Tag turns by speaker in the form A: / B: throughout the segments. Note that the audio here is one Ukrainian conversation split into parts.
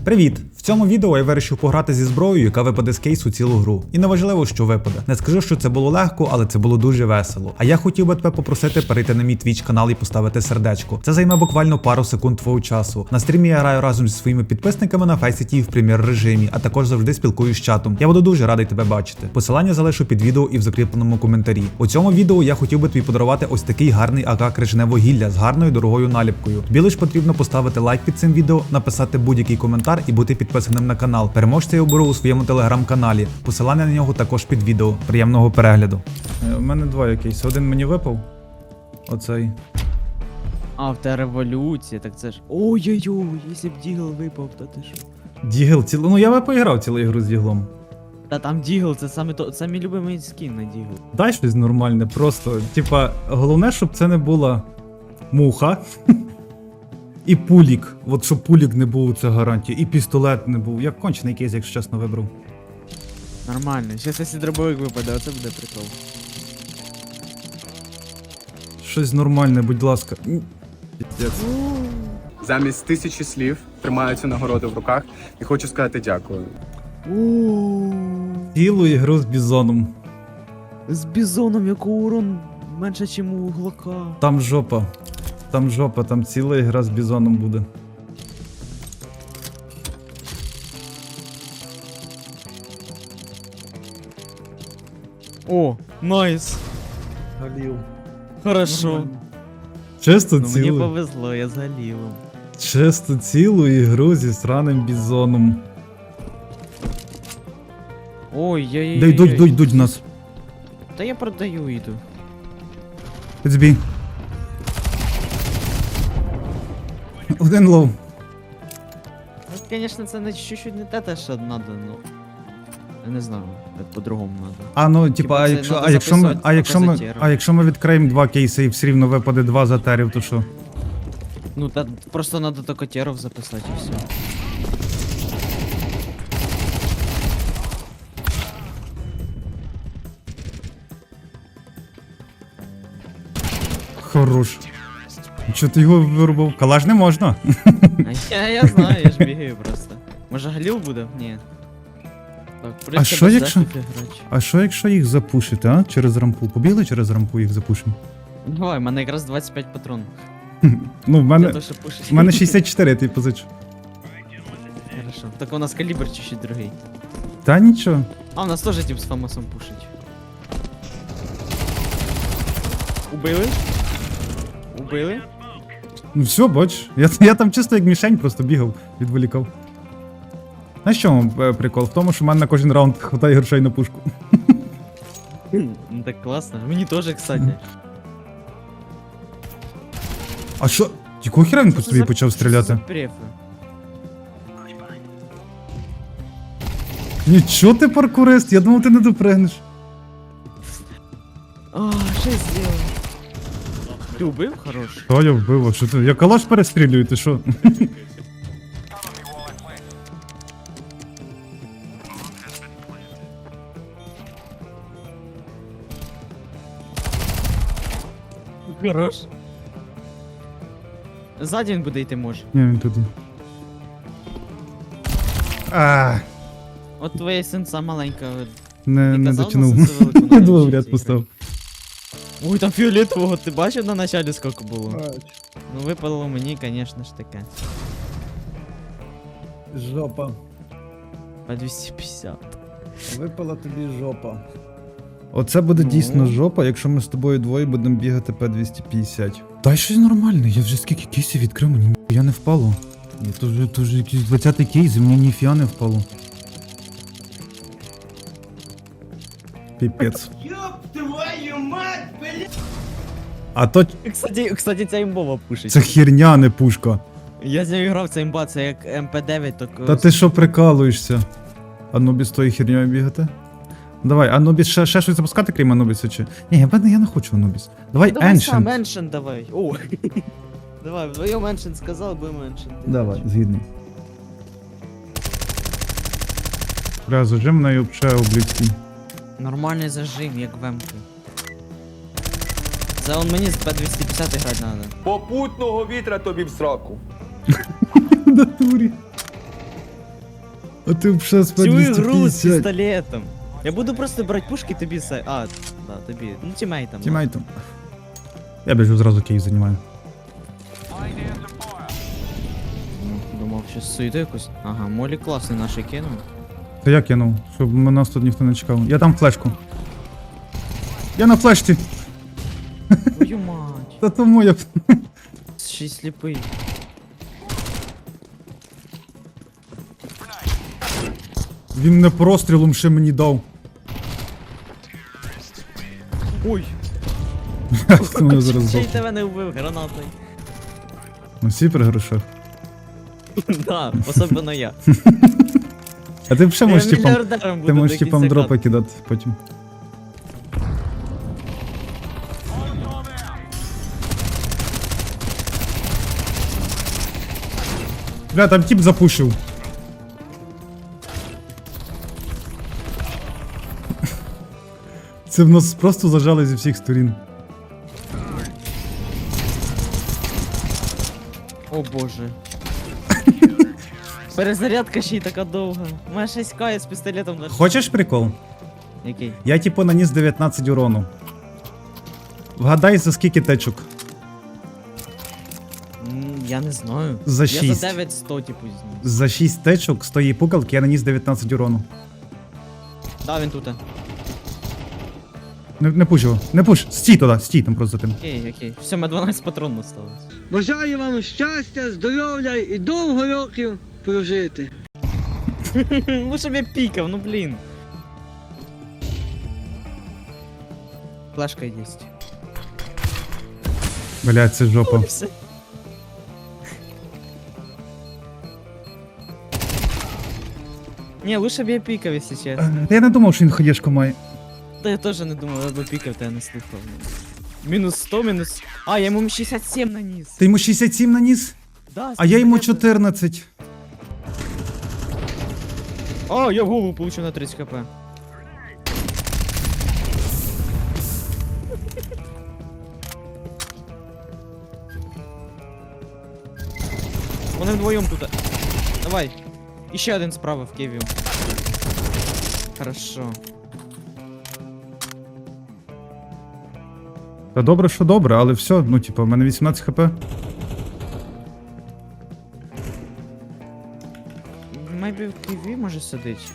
A: Привіт! В цьому відео я вирішив пограти зі зброєю, яка випаде з кейсу цілу гру. І неважливо, що випаде. Не скажу, що це було легко, але це було дуже весело. А я хотів би тебе попросити перейти на мій Twitch канал і поставити сердечко. Це займе буквально пару секунд твого часу. На стрімі я граю разом зі своїми підписниками на Faceit в прем'єр режимі, а також завжди спілкуюсь з чатом. Я буду дуже радий тебе бачити. Посилання залишу під відео і в закріпленому коментарі. У цьому відео я хотів би тобі подарувати ось такий гарний АК крижане вугілля з гарною дорогою наліпкою. Тобі лиш потрібно поставити лайк під цим відео, написати будь-який коментар і бути підписаним на канал. Переможця я оберу у своєму телеграм-каналі. Посилання на нього також під відео. Приємного перегляду. У мене два якісь. Один мені випав. Оцей.
B: А, в те революція, так це ж. Ой-ой-ой, якщо б Дігл випав, то ти що?
A: Дігл цілу. Ну я би поіграв цілу ігру з Діглом.
B: Та там Дігл, це саме то, це мій любимий скін на Дігл.
A: Дай щось нормальне, просто. Типа, головне, щоб це не була муха. І пулік. От щоб пулік не був, це гарантія. І пістолет не був. Я кончений кейс, якщо чесно, вибрав.
B: Нормально, щас якщо дробовик випаде, оце буде прикол.
A: Щось нормальне, будь ласка. Піздець.
C: Замість 1000 слів тримаю цю нагороду в руках і хочу сказати дякую.
A: Цілу ігру з бізоном.
B: З бізоном, якого урон менше, ніж у глока.
A: Там жопа. Там жопа, там ціла ігра з бізоном буде.
B: О, найс.
A: Галів.
B: Хорошо.
A: Чисто
B: Ну, мені
A: цілу.
B: повезло, я з Галілом.
A: Чисто цілу ігру зі сраним бізоном.
B: Ой-ой-ой.
A: Дай йдуть в нас.
B: Та я продаю, йду.
A: Підзбій. Один лоу.
B: Ну, звісно, це не чуть-чуть не те, що треба, ну. Я не знаю, як по-другому треба.
A: А ну, типа,
B: Хіба це надо записувати
A: а якщо ми відкриємо два кейси і все рівно випаде два затерів, то що?
B: Ну, та просто треба токотеров записати і все.
A: Хорош. Чого ти його вирубав? Калаш не можна.
B: А я знаю, я ж бігаю просто. Може Галіл буде? Ні. Так, прийдеться
A: що
B: без
A: якщо-
B: захисту грати.
A: А що якщо їх запушити, а? Через рампу. Побігли через рампу їх запушимо?
B: Давай, в мене якраз 25 патронів.
A: Ну, в
B: Для
A: мене,
B: того, щоб пушити.
A: в мене 64, я тобі позичу.
B: Хорошо. Так у нас калібр чуть-чуть другий.
A: Та нічого.
B: А, у нас теж тип з фамосом пушить. Убили? Убили?
A: Ну все, бач. Я там чисто як мішень просто бігав, відволікав. Знаєш, чому прикол? В тому, що в мене на кожен раунд хватає грошей на пушку.
B: Ну так класно. Мені теж, кстати.
A: А що? Якого хіра він по
B: Що це
A: собі
B: за-
A: почав
B: що це за
A: стріляти?
B: префи?
A: Нічого ти паркурист, я думав, ти не допригнеш.
B: А, що я зробив? Ти убив? Хорош.
A: Що я вбив? А що ти? Я калаш перестрілюю, ти що?
B: Хорош. Ззаді він буде йти може.
A: Ні, він тут є. А,
B: От твоя сенса маленька.
A: не
B: Ти казав,
A: дотянув.
B: на сенсу велику
A: Я
B: навчитися
A: двох в ряд
B: грати?
A: поставив.
B: Ой, там фіолетового, ти бачив на началі скільки було? Ну випало мені, звісно ж таке.
A: Жопа.
B: По 250.
A: Випала тобі жопа. Оце буде
B: Ну.
A: дійсно жопа, якщо ми з тобою двоє будемо бігати П-250. Дай щось нормальне, я вже скільки кейсів відкрив, мені ніфіга не впало. Ні, то вже якийсь 20-й кейс, і мені ніфіга не впало. Піпець. А то
B: Кстати, ця імбова пушить.
A: це херня, а не пушка.
B: Я з нею грав, ця імба, це як МП9, так...
A: Та ти що прикалуєшся? Анубіс тою херньою бігати? Давай, Анубіс ще щось запускати, крім Анубіса чи? Ні, я не хочу Анубіс. Давай
B: Давай сам,
A: Ancient.
B: Ancient давай. О. Давай, вдвоєм Ancient сказав, будемо Ancient.
A: Давай, згідний. Бля, зажим на юбче обліцький.
B: Нормальний зажим, як в М-ку. Це он мені з П-250 грати надо.
D: Попутного вітра тобі в сраку.
A: В натурі. А ти б ще
B: Всю ігру з пістолетом. Я буду просто брати пушки тобі да, тобі. Ну, тімейтам.
A: Тімейтом. Я біжу зразу кейс займаю.
B: Думав, що суєту якусь. Ага, Молі класний наш кинув.
A: Та я кинув, щоб нас тут ніхто не чекав. Я там флешку. Я на флешці.
B: Твою мать.
A: Та тому я...
B: Ще й сліпий.
A: Він не прострілом ще мені дав.
B: Ой.
A: Хто мене зараз
B: Ще й
A: дав?
B: тебе не вбив гранатою.
A: Ну всі при грошах.
B: Да, особливо я.
A: А ти б ще можеш
B: Я
A: типам...
B: мільярдером буду
A: Ти можеш
B: до
A: типам
B: кінця
A: дропи
B: катку.
A: кидати потім. Бля, там тип запушив. Це в нас просто зажали зі всіх сторін.
B: О боже. Перезарядка ще й така довга. У мене 6К з пістолетом на...
A: Хочеш прикол?
B: Який?
A: Я типу наніс 19 урону. Вгадай, за скільки течок?
B: Я не знаю.
A: За
B: Я
A: 6.
B: за 900, типу, зніс.
A: За 6 течок з тої пукалки я наніс 19 урону.
B: Да, він тут.
A: Не пуш його, не пуш, стій туди, стій там просто за тим.
B: Окей, окей. Все, ми 12 патронів осталось.
D: Бажаю вам щастя, здоров'я і довго років прожити.
B: Ну, щоб я пікав, ну блін. Флешка єсть.
A: Блядь, це жопа.
B: Все. Не, лучше б я пікав, якщо чесно.
A: Та я не думав, що він хаєшку має.
B: Та я теж не думав, я б пікав, та я не слухав. Мінус 100, мінус... А, я йому 67 наніс.
A: Ти йому 67 наніс,
B: Да,
A: а я йому
B: пістолета.
A: 14.
B: А, я в голову получив на 30 хп. Вони вдвоєм тут. Давай. І ще один справа в Києві. Хорошо.
A: Та добре, що добре, але все, ну типу, в мене 18 хп.
B: Майбі в Києві може сидить.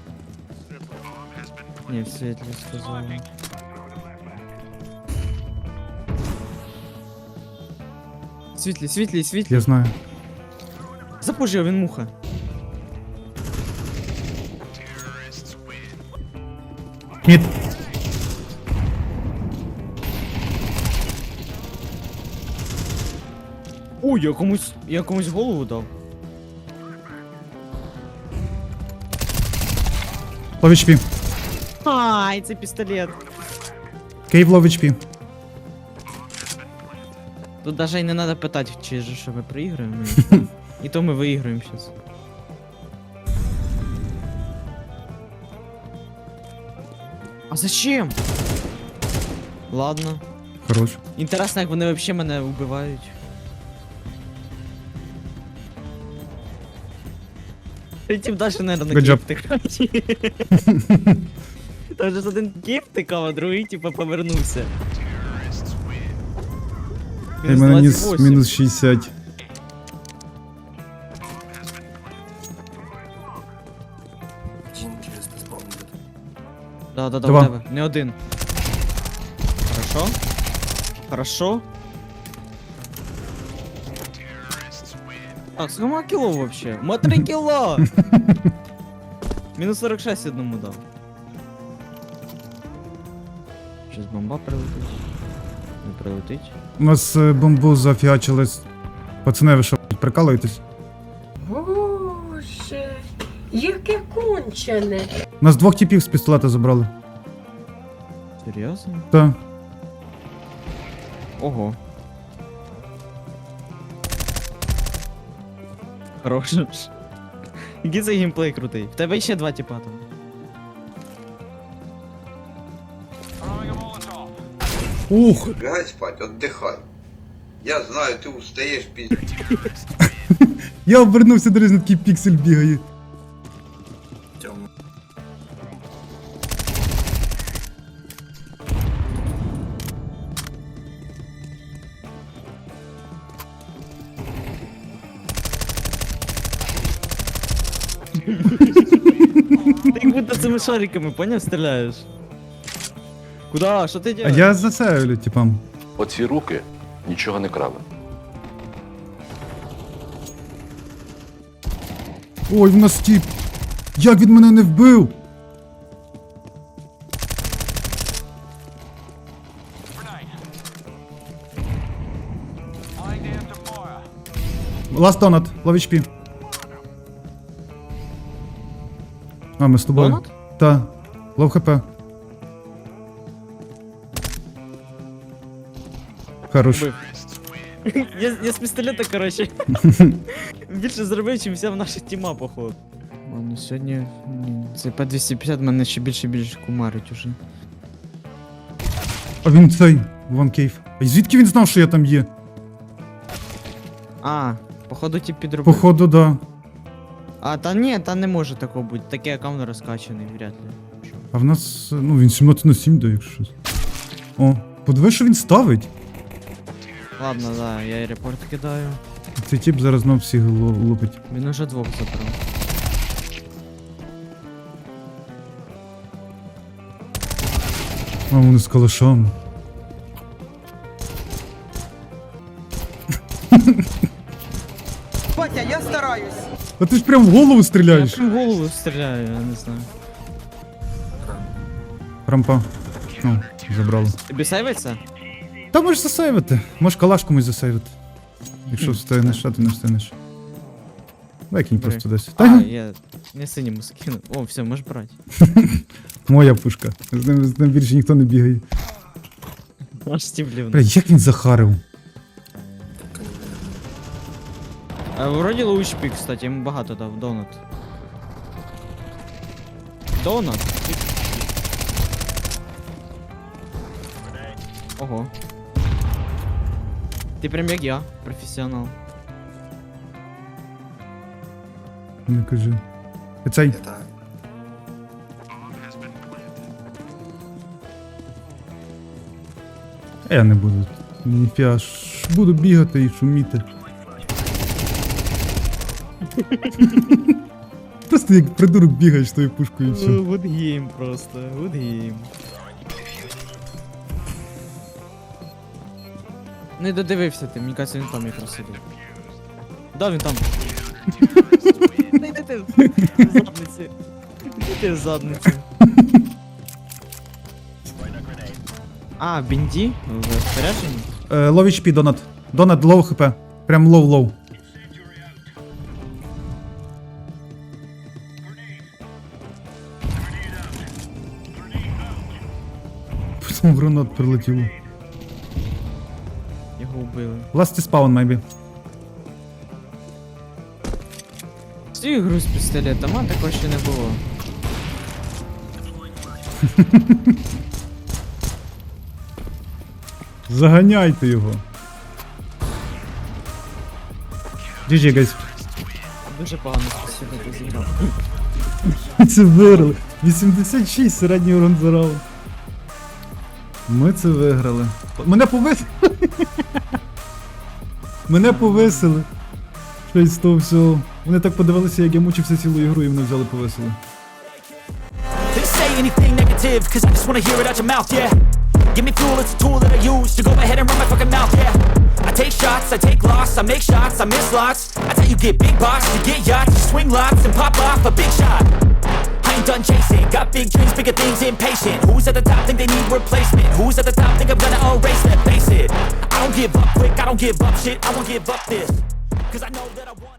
B: Ні, в світлі сказали. Світлі, світлі, світлі.
A: Я знаю.
B: Запужив, він муха.
A: Мід.
B: Ой, я комусь голову дав.
A: Лов HP.
B: Ай, це пістолет.
A: Кейв лов HP.
B: Тут даже і не треба питати, чи же що ми проіграємо. І то ми виіграємо зараз. А зачем? Ладно.
A: Хорош.
B: Інтересно, як вони взагалі мене вбивають. Тим далі, наверное, на
A: Good job.
B: кіп тикають. Там же один кіп тикав, а другий, типа, повернувся.
A: Я мене ніс
B: 28.
A: мінус 60.
B: Да,
A: Два.
B: у тебе. Не один. Хорошо. Хорошо. Так, сколько кило вообще? Ма 3 кило! Мінус 46 одному дав. Щас бомба прилетить. Не прилетить.
A: У нас бомбу зафіачили. Пацани, ви що, прикалуєтесь?
E: Боже, яке кончене.
A: У нас двох типів з пістолета забрали.
B: Серйозно?
A: Та.
B: Ого. Хороший. Який це геймплей крутий. В тебе ще 2 тіпа там.
A: Ух!
F: Лягай спать, отдыхай. Я знаю, ты устаешь пиздец.
A: Я обернувся, дивись, на такий піксель бігає.
B: Ти як будто цими шариками, поняв, стріляєш. Куда? Що ти
A: А
B: делаєш?
A: я за це, типам.
G: Оці руки нічого не крали.
A: Ой, в нас тіп. Як він мене не вбив? Last donut, лов HP. А, ми з тобою.
B: Донат?
A: Та. Лов хп. Хорош.
B: Убив. Я з пістолета, коротше. Більше зробив, чим вся наша тіма, походу. Ладно, сьогодні це П-250 мене ще більше і більше кумарить уже.
A: А він цей, Ван Кейв. А звідки він знав, що я там є?
B: А, походу ті підробив.
A: Походу, да.
B: А, та ні, та не може такого бути. Такий аккаунт розкачаний, вряд ли.
A: А в нас, ну, він 17/7 дає, якщо щось. О, подиви, що він ставить.
B: Ладно, да, я і репорт кидаю.
A: Цей тип зараз знов всіх лупить.
B: Він уже двох забрав.
A: А вони з калашами.
H: Батя, я стараюсь.
A: А ти ж прям в голову
B: Я
A: стріляєш.
B: прям в голову стріляю, я не знаю.
A: Рампа. О, забрало.
B: Тобі сейвиться?
A: Та можеш засейвити. Можеш калаш комусь засейвити. Якщо встигнеш, а ти не встигнеш. Викинь
B: Бери.
A: просто десь.
B: А,
A: Та
B: я не синьому скину. О, все, можеш брати.
A: моя пушка. З ним більше ніхто не бігає.
B: Аж стіблів.
A: Бля, як він захарив?
B: А вроді лоучпік, кстати, йому багато дав, донат. Донат? Ого. Ти прям як я, професіонал.
A: Не кажи. Цей. Я не буду. Ніфіга ж. Буду бігати і шуміти. Просто як придурок бігаєш тою пушкою і все.
B: Good game просто, good game. Не додивився ти, мені кажеться, він там якраз сидить. Да, він там. Не йди ти в задниці. Іди ти в задниці. А, бінді? В спорядженні?
A: Лов HP, донат. Донат, лоу хп. Прям лоу-лоу. Потім гранат прилетіло.
B: Його вбили.
A: Last is spawn, maybe.
B: Цю ігру з пістолетом, а такого ще не було.
A: Заганяйте його. GG, guys.
B: Дуже погано з пістолетом зіграв.
A: Це виграли. 86 середній урон за раунд. Ми це виграли. Мене повисили. Мене повисили. Щось з того всього. Вони так подивилися, як я мучився цілу ігру, і мене взяли повисили.
I: They say anything negative, cause I just wanna hear it out your mouth, yeah. Give me fuel, it's a tool that I use to go ahead and run my fucking mouth, yeah. I take shots, I take loss, I make shots, I miss lots. That's how you get big boss, you get yachts, you swing lots and pop off a big shot. I ain't done chasing, got big dreams, bigger things, impatient. Who's at the top think they need replacement? Who's at the top think I'm gonna erase them? Face it, I don't give up quick, I don't give up shit, I won't give up this. Cause I know that I want